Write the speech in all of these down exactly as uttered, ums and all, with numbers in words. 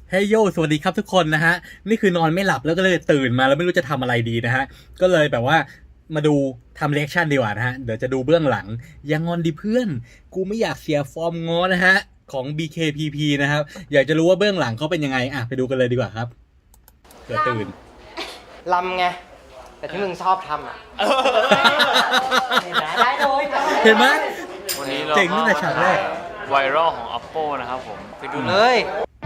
เฮ้ยโยสวัสดีครับทุกคนนะฮะนี่คือนอนไม่หลับแล้วก็เลยตื่นมาแล้วไม่รู้จะทำอะไรดีนะฮะก็เลยแบบว่ามาดูทำเรีแอคชั่นดีกว่านะฮะเดี๋ยวจะดูเบื้องหลังยังงอนดิเพื่อนกูไม่อยากเสียฟอร์มง้อนะฮะของ บี เค พี พี นะครับอยากจะรู้ว่าเบื้องหลังเขาเป็นยังไงอ่ะไปดูกันเลยดีกว่าครับเดี๋ยวตื่นลำไงแต่ที่มึงชอบทำอ่ะเห็นไหมได้เลยเห็นไหมวันนี้เราเจ๋งตั้งแต่ฉากแรกไวรัลของ Oppo นะครับผมไปดูเลเลยย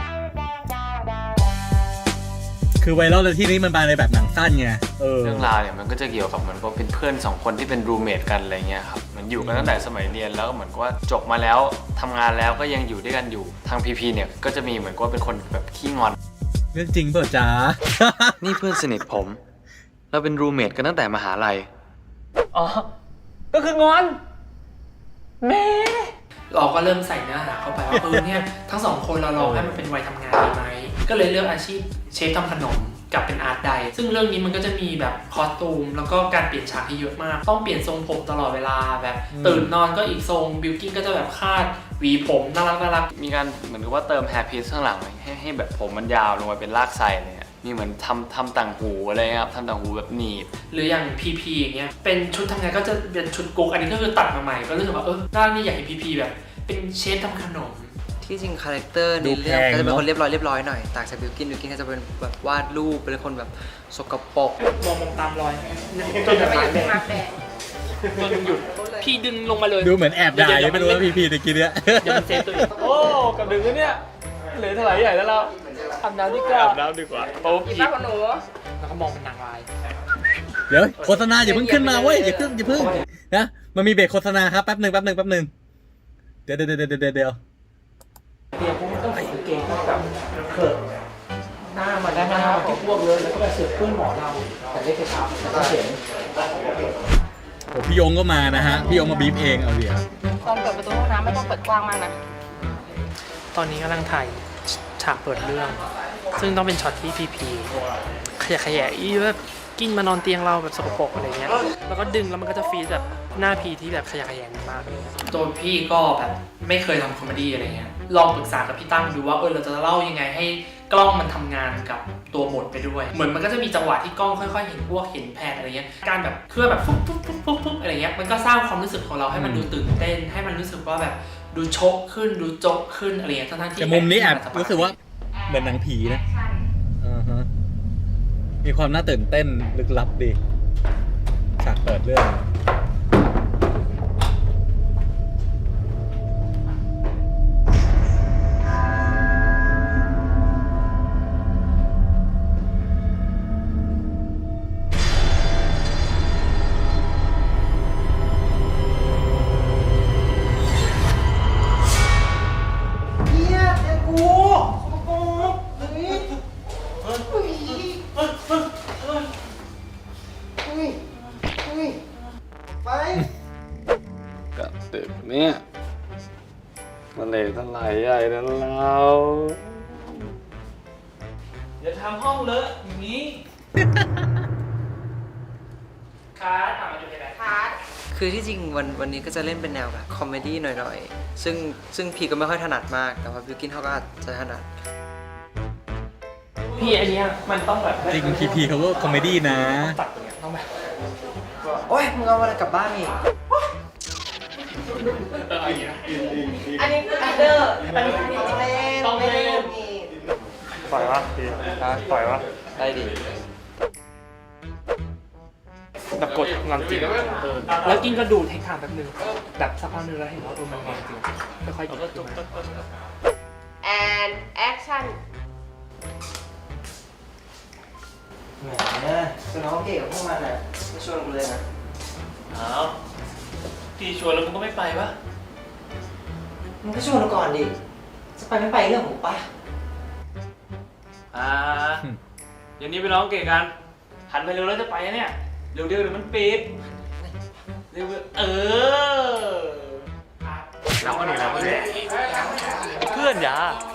คือไวรัลในที่นี้มันมาในแบบหนังสั้นไงเออเรื่องราวเนี่ยมันก็จะเกี่ยวกับเหมือนว่าเป็นเพื่อนสองคนที่เป็นรูเมทกันอะไรเงี้ยครับเหมือนอยู่กันตั้งแต่สมัยเรียนแล้วก็เหมือนกับว่าจบมาแล้วทำงานแล้วก็ยังอยู่ด้วยกันอยู่ทางพีพีเนี่ยก็จะมีเหมือนกับว่าเป็นคนแบบขี้งอนเรื่องจริงเปล่าจ๊ะนี่เพื่อนสนิทผมเราเป็นรูเมทกันตั้งแต่มหาลัยอ๋อ ก็คืองอนแม่เราก็เริ่มใส่เนื้อหาเข้าไปว่าเออเนี่ยทั้งสองคนเราลองให้มันเป็นวัยทำงานดีไหมก็เลยเลือกอาชีพเชฟทำขนมกับเป็นอาร์ตไดซึ่งเรื่องนี้มันก็จะมีแบบคอสตูมแล้วก็การเปลี่ยนฉากที่เยอะมากต้องเปลี่ยนทรงผมตลอดเวลาแบบตื่นนอนก็อีกทรงบิวกิ้นก็จะแบบคาดหวีผมน่ารักน่ารักมีการเหมือนกับว่าเติมแฮร์พีซข้างหลังให้ให้แบบผมมันยาวลงไปเป็นลากไส้เลยอะมีเหมือนทำทำต่างหูอะไรเงี้ยครับทำต่างหูแบบหนีบหรืออย่างพีพีอย่างเงี้ยเป็นชุดทำงานก็จะเป็นชุดกุ๊กอันนี้ก็คือตัดมาใหม่ก็รู้สึกว่าเออด้านนี้อยากเห็นพีพีแบบเป็นเชฟทำขนมที่จริงคาแรคเตอร์ในเรื่องก็จะเป็นคนเรียบร้อยเรียบร้อยหน่อยต่างจากบิวกินบิวกินก็จะเป็นแบบวาดรูปเป็นคนแบบสกปรกมองมองตามรอยจนแบบหายแดงจนหยุดพี่ดึงลงมาเลยดูเหมือนแอบด่ายังไม่รู้ว่าพีพีตะกี้เนี้ยเดี๋ยวมันเซฟตัวเองโอ้กับดึงแล้วเนี่ยเหลือเท่าไหร่ใหญ่แล้วเราอาบน้ำดีกว่าอาบน้ำดีกว่าเพราะว่าพี่พีป้าของหนูแล้วก็มองเป็นนางร้ายเดี๋ยวโฆษณาอย่าเพิ่งขึ้นมาเว้ยอย่าเพิ่งอย่าเพิ่งนะมันมีเบรกโฆษณาครับแป๊บหนึ่งแป๊บหนึ่งแป๊บหนึ่งเดี๋ยวเดี๋ยวเดี๋ยวเดี๋ยวเดี๋ยวเปียกพวกมันต้องใส่กางเกงเข้ากับเขิร์หน้ามันได้หน้ามันก็พวกเลยแล้วก็ไปเสือกเพื่อนหมอเราแต่เล็กกระชับแล้วก็เขียนโอ้พี่ยงก็มานะฮะพี่ยงมาบีบเองเอาเดี๋ยวตอนเปิดประตูห้องน้ำไม่ต้องเปิดกว้างมากนะตอนนี้กำลังถ่ายฉากเปิดเรื่อง ซึ่งต้องเป็นช็อตที่พีพีขยะแขยะอีแบบกิ้งมานอนเตียงเราแบบสกปรกอะไรเงี้ยแล้วก็ดึงแล้วมันก็จะฟีดแบบหน้าพีที่แบบขยะแขยงมากเลยตัวพี่ก็แบบไม่เคยทำคอมเมดี้อะไรเงี้ยลองปรึกษากับพี่ตั้มดูว่าเออเราจะเล่ายังไงให้กล้องมันทำงานกับตัวบทไปด้วย เหมือนมันก็จะมีจังหวะที่กล้องค่อยๆเห็นพวกเห็นแพนอะไรเงี้ยการแบบเคลื่อนแบบฟุ๊บฟุ๊บฟุ๊บฟุ๊บฟุ๊บอะไรเงี้ยมันก็สร้างความรู้สึกของเราให้มันดูตื่นเต้นให้มันรู้สึกว่าแบบดูโชกขึ้นดูโจกขึ้นอะไรเงี้ยทั้งๆที่แต่มุมนี้แอบรู้สึกว่าเหมือนหนังผีนะอ่าฮะมีความน่าตื่นเต้นลึกลับดีฉากเปิดเรื่องกับดึกเนี่ยมันเลยทลายใหญ่นะเราอย่าทำห้องเลอะอย่างนี้คาร์ดอ่ะมาดูในแบบพาร์ทคือที่จริงวันวันนี้ก็จะเล่นเป็นแนวแบบคอมเมดี้หน่อยๆ ซึ่งซึ่งพีก็ไม่ค่อยถนัดมาก แต่ว่าบิวกินเขาก็อาจจะถนัดพี่อันเนี้ยมันต้องแบบจริงพีพีเขาก็คอมเมดี้นะตัดตรงเนี้ยต้องแบบโอ้ยมึงเอาอะไรกลับบ้านอีกเอออย่างเงี้ยอันนี้คืออันเดอร์อันนี้คือต้องเล่นต้องเล่นนี่ปล่อยวะพีปล่อยวะได้ดิแบบกดงานจริงแล้วกินก็ดูเทคทางแป๊บนึงแบบสักพักนึงแล้วเห็นว่าเออมันงานจริงค่อยๆหยิบขึ้นมาแอนแอคชั่นแหมจะน้องเก่งกับพวกมันอ่ะไม่ชวนกูเลยนะอ้าวพี่ชวนแล้วมึงก็ไม่ไปปะมึงก็ชวนกูก่อนดิ จะไปไม่ไปเรื่องของป่ะอ่าเดี๋ยวนี้ไปร้องเก่งกันหันไปเร็วแล้วจะไปเนี่ยเร็วๆเดี๋ยวมันปิดเร็วๆเออเราก็หนีเราก็หนีเพื่อนอย่า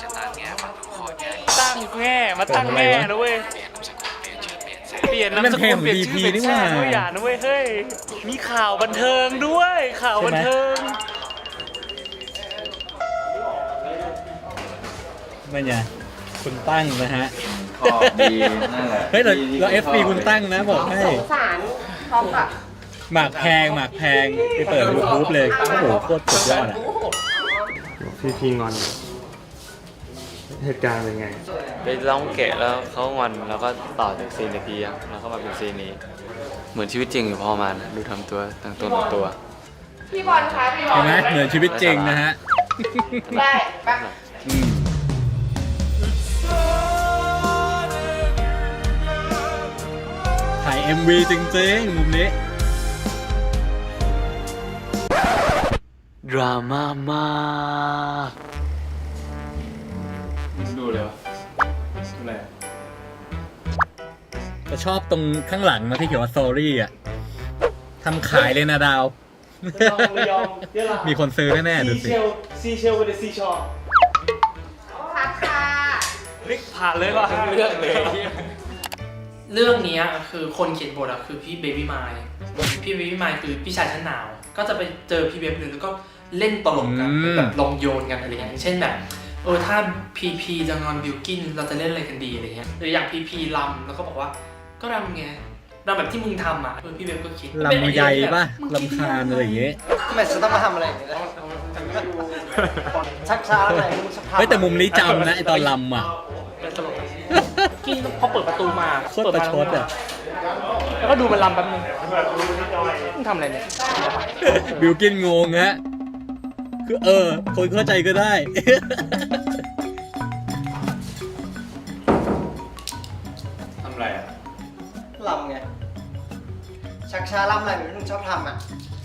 ตั้งแง่มาตั้งแง่นะเว้ยเปลี่ยนนามสกุลเปลี่ยนชื่อเป็นแช่ด้วยอย่านะเว้ยเฮ้ยมีข่าวบันเทิงด้วยข่าวบันเทิงไม่เนี่ยคุณตั้งนะฮะขอบดีนั่นแหละเฮ้ยเราเราเอฟซีคุณตั้งนะบอกให้สงสารพร้อมกับหมากแพงหมากแพงไปเปิดยูทูบเลยโอ้โหโคตรสุดยอดอ่ะพี่พีงอน เหตุการณ์เป็นไงไปร้องเกะแล้วเขางอนแล้วก็ต่อจากซีนตะกี้อะแล้วก็มาเป็นซีนนี้ เหมือนชีวิตจริงอยู่พอมานะดูทำตัวตั้งตัวตั้งตัวพี่บอลคะพี่บอเห็ลนไหมเหมือนชีวิตจริงนะฮะได้แป๊บอืมถ่าย เอ็ม วี จริงๆมุมนี้ดราม่ามากดูเลยวะดูอะไรก็ชอบตรงข้างหลังนะที่เขียนว่า sorry อ่ะทำขายเลยนะดาวระยองยะลามีคนซื้อแน่ๆดูซีสิเชลซีเชลกับซีชอร์พักค่ะลิกผ่านเลยว่ะเรื่องเลยเรื่องเนี้ยคือคนเขียนบทอะคือพี่เบบี้ไมล์พี่เบบี้ไมล์คือพี่ชายชั้นหนาว ก็จะไปเจอพี่เบฟเลยแล้วก็เล่นตลกกันอืมแบบลองโยนกันอะไรเงี้ยอย่างเช่นแบบเออถ้าพีพีจะงอนบิวกินเราจะเล่นอะไรกันดีอะไรเงี้ยหรืออย่างพีพีรำแล้วก็บอกว่าก็รำไงรำแบบที่มึงทำอ่ะเออพี่เบฟก็คิดลำใหญ่ป่ะลำคาญอะไรอย่างเงี้ยทำไมฉันต้องมาทำอะไรอย่างนี้ล่ะชักช้าอะไรมึงชักช้าเฮ้ยแต่มุมนี้จำนะไอตอนลำอ่ะเป็นตลกกินพอเปิดประตูมาโคตรประชดอ่ะแล้วก็ดูมันรำแป๊บนึงมึงทำอะไรเนี่ยบิวกินงงฮะ คือเออ คนเข้าใจก็ได้ทำอะไรอ่ะลำไง ชักช้าลำอะไรแบบที่มึงชอบทำอ่ะ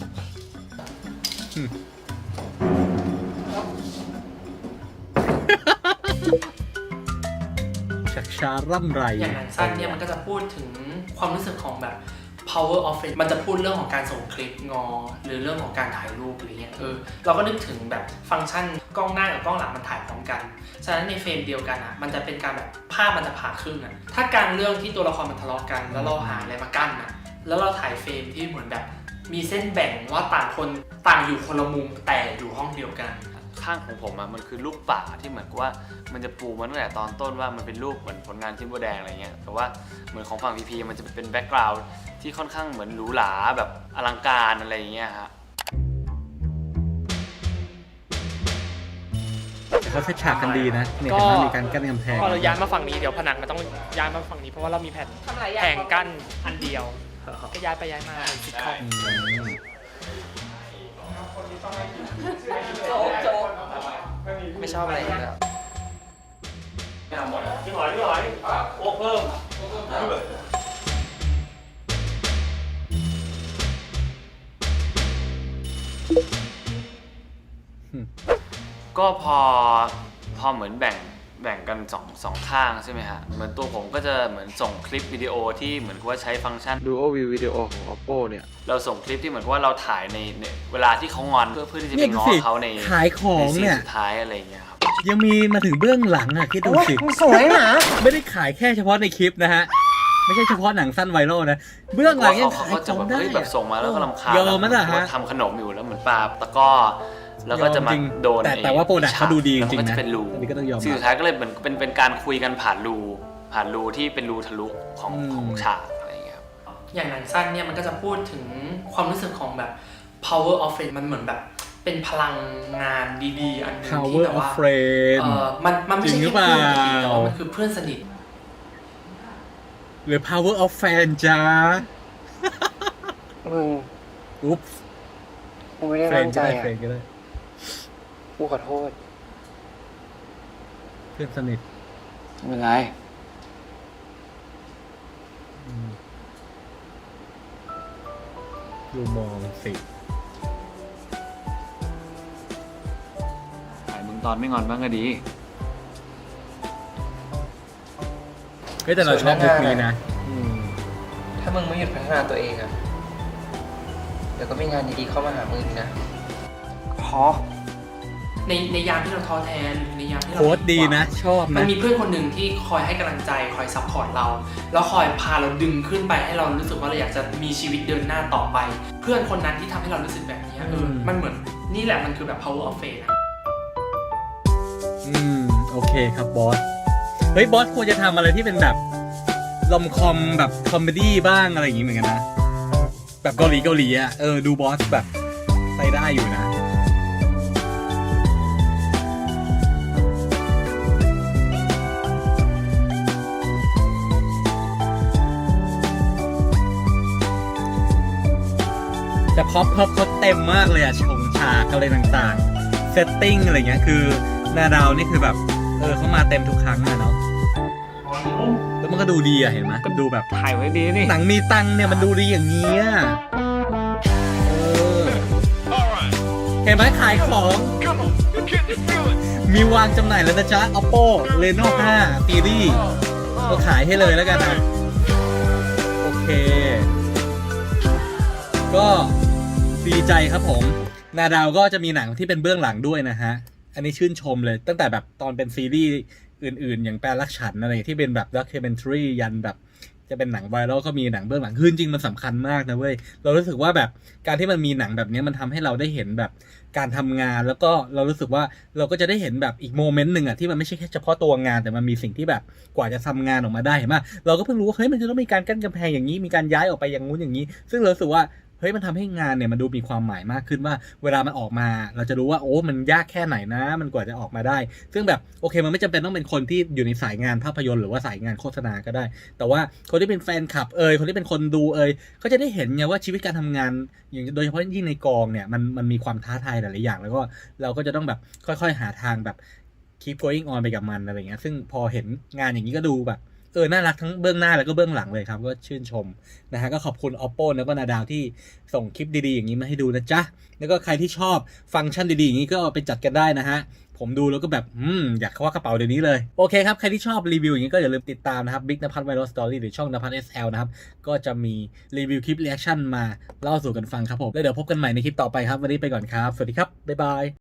ชักช้าร่ำไรอย่างหนังสั้นเนี่ยมันก็จะพูดถึงความรู้สึกของแบบ power of it มันจะพูดเรื่องของการส่งคลิปงอ หรือเรื่องของการถ่ายรูปอะไรเงี้ยเออเราก็นึกถึงแบบฟังก์ชันกล้องหน้ากับกล้องหลังมันถ่ายพร้อมกันฉะนั้นในเฟรมเดียวกันอ่ะมันจะเป็นการแบบภาพมันจะผ่าครึ่งอ่ะถ้าการเรื่องที่ตัวละครมันทะเลาะกันแล้วเราหาอะไรมากั้นอ่ะแล้วเราถ่ายเฟรมที่เหมือนแบบมีเส้นแบ่งว่าต่างคนต่างอยู่คนละมุมแต่อยู่ห้องเดียวกันข้างของผมอะมันคือลูกป่าที่เหมือนกับว่ามันจะปูมาตั้งแต่ตอนต้นว่ามันเป็นรูปเหมือนผลงานชิ้นโบแดงอะไรเงี้ยแต่ว่าเหมือนของฝั่งพีพีมันจะเป็นแบ็กกราวด์ที่ค่อนข้างเหมือนหรูหราแบบอลังการอะไรอย่างเงี้ยฮะแต่เขาเซตฉากกันดีนะ เนี่ยก็เห็นไหมมีการกั้นกำแพงพอเราย้ายมาฝั่งนี้เดี๋ยวผนังมันต้องย้ายมาฝั่งนี้เพราะว่าเรามีแผ่นทำหลายอย่างแผงกั้นอันเดียวก็ย้ายไปย้ายมาซิทคอมอืมไม่ชอบอะไรอีกแล้วพี่หอยพี่หอยโอ้เพิ่มก็พอพอเหมือนแบ่งแบ่งกันสองสองข้างใช่ไหมฮะเหมือนตัวผมก็จะเหมือนส่งคลิปวิดีโอที่เหมือนกับว่าใช้ฟังก์ชัน Duo View Video ของ Oppo เนี่ยเราส่งคลิปที่เหมือนกับว่าเราถ่ายในในเวลาที่เขางอนเพื่อเพื่อที่จะเนี่ไปยดูง้อสิเขาในขายของในซีนเนี่ยสุดท้ายอะไรอย่างเงี้ยครับยังมีมาถึงเบื้องหลังอ่ะคิดดูสิมึงสวยหนาไม่ได้ขายแค่เฉพาะในคลิปนะฮะ ไม่ใช่เฉพาะหนังสั้นไวรัลนะ เบื้องหลังยังเขาขายเขาขจะองแบบได้เฮ้ยแบบส่งมาแล้วก็รำคาญยอมมั้ยล่ะฮะทำขนมอยู่แล้วเหมือนปลาตะกร้อแล้วก็จะมายอมจริงโดนแต่ไอ้แต่ว่าโปรดักต์เขาดูดีจริงๆแล้วมันก็นะจะเป็นรูอันนี้ก็ต้องยอมรับสิ่งสุดท้ายก็เลยเหมือนเป็นเป็นการคุยกันผ่านรูผ่านรูที่เป็นรูทะลุของอืมของฉากอะไรอย่างเงี้ยครับอย่างหนังสั้นเนี่ยมันก็จะพูดถึงความรู้สึกของแบบ power of it มันเหมือนแบบเป็นพลังงานดีๆ อันหนึงที่ Power แบบ of ว่า Friend เออมันมันไม่จริใช่งหรือแค่เปล่าเพื่อนกันเองแต่ว่ามันคือเพื่อนสนิทหรือ power of fan จ้ามึงอุ๊บกูไม่ได้เฟรตั้นงก็ใจได้อ่ะเฟรนก็ได้กูขอโทษเพื่อนสนิทไม่เป็นไรอืมดูมองสิถ่ายมึงตอนไม่งอนบ้างก็ดีเฮ้ยแต่เราชอบลุคนี้นะอืมถ้ามึงไม่หยุดพัฒนาตัวเองอ่ะ เดี๋ยวก็มีงานดีๆเข้ามาหามึงนะ พอในในยามที่เราท้อแท้หรือในยามที่เราโค้ดดีนะ ชอบมันะนมีเพื่อนคนหนึ่งที่คอยให้กำลังใจคอยซัพพอร์ตเรา แล้วคอยพาเราดึงขึ้นไปให้เรารู้สึกว่าเราอยากจะมีชีวิตเดินหน้าต่อไป เพื่อนคนนั้นที่ทำให้เรารู้สึกแบบนี้เอออืมมันเหมือนนี่แหละมันคือแบบ power of faith นะอืม โอเคครับบอสเฮ้ยบอสควรจะทำอะไรที่เป็นแบบลอมคอมแบบคอมเมดี้บ้างอะไรอย่างงี้เหมือนกันนะ แบบเกาหลีเกาหลีอ่ะเออดูบอสแบบใส่ได้อยู่นะ แต่พ็อปพ็อปเขาเต็มมากเลยอะชงฉากอะไรต่างๆเซตติ้งอะไรเงี้ยคือนาดาวนี่คือแบบเออเขามาเต็มทุกครั้งอะเนาะแล้วมันก็ดูดีอะเห็นไหมดูแบบถ่ายไว้ดีนี่หนังมีตังค์เนี่ยมันดูดีอย่างเงี้ยเออเห็นไหมขายของ มีวางจำหน่ายแล้วนะจ๊ะ Oppo Reno ห้า Series ก็ขายให้เลยแล้วกันนะโอเค ก็ดีใจครับผมนาดาวก็จะมีหนังที่เป็นเบื้องหลังด้วยนะฮะอันนี้ชื่นชมเลยตั้งแต่แบบตอนเป็นซีรีส์อื่นๆ อย่างแปลรักฉันอะไรที่เป็นแบบด็อกคิวเมนทรียันแบบจะเป็นหนังไวรัลก็มีหนังเบื้องหลังคือจริงๆมันสำคัญมากนะเว้ยเรารู้สึกว่าแบบการที่มันมีหนังแบบนี้มันทำให้เราได้เห็นแบบการทำงานแล้วก็เรารู้สึกว่าเราก็จะได้เห็นแบบอีกโมเมนต์หนึ่งอะที่มันไม่ใช่แค่เฉพาะตัวงานแต่มันมีสิ่งที่แบบกว่าจะทำงานออกมาได้เห็นไหมเราก็เพิ่งรู้ว่าเฮ้ยมันจะต้องมีการกั้นกำแพงอย่างนี้มีการย้ายออกไปอย่างงู้นอย่างนี้ซึ่งเรารู้สึกว่าเฮ้ยมันทำให้งานเนี่ยมันดูมีความหมายมากขึ้นว่าเวลามันออกมาเราจะรู้ว่าโอ้มันยากแค่ไหนนะมันกว่าจะออกมาได้ซึ่งแบบโอเคมันไม่จำเป็นต้องเป็นคนที่อยู่ในสายงานภาพยนตร์หรือว่าสายงานโฆษณาก็ได้แต่ว่าคนที่เป็นแฟนคลับเอยคนที่เป็นคนดูเอยเขาจะได้เห็นไงว่าชีวิตการทำงานอย่างโดยเฉพาะยิ่งในกองเนี่ยมันมันมีความท้าทายหลายๆอย่างแล้วก็เราก็จะต้องแบบค่อยๆหาทางแบบ keep going on ไปกับมันอะไรเงี้ยซึ่งพอเห็นงานอย่างนี้ก็ดูแบบเออน่ารักทั้งเบื้องหน้าแล้วก็เบื้องหลังเลยครับก็ชื่นชมนะฮะก็ขอบคุณ Oppo แล้วก็นาดาวที่ส่งคลิปดีๆอย่างนี้มาให้ดูนะจ๊ะแล้วก็ใครที่ชอบฟังก์ชันดีๆอย่างนี้ก็ไปจัดกันได้นะฮะผมดูแล้วก็แบบอืมอยากคว้ากระเป๋าเดี๋ยวนี้เลยโอเคครับใครที่ชอบรีวิวอย่างนี้ก็อย่าลืมติดตามนะครับ Big นภัส Viral Story หรือช่องนภัส เอส แอล นะครับก็จะมีรีวิวคลิปรีแอคชั่นมาเล่าสู่กันฟังครับผมแล้วเดี๋ยวพบกันใหม่ในคลิปต่อไปครับวันนี้ไปก่อนครับสวัสดีครับบ๊ายบาย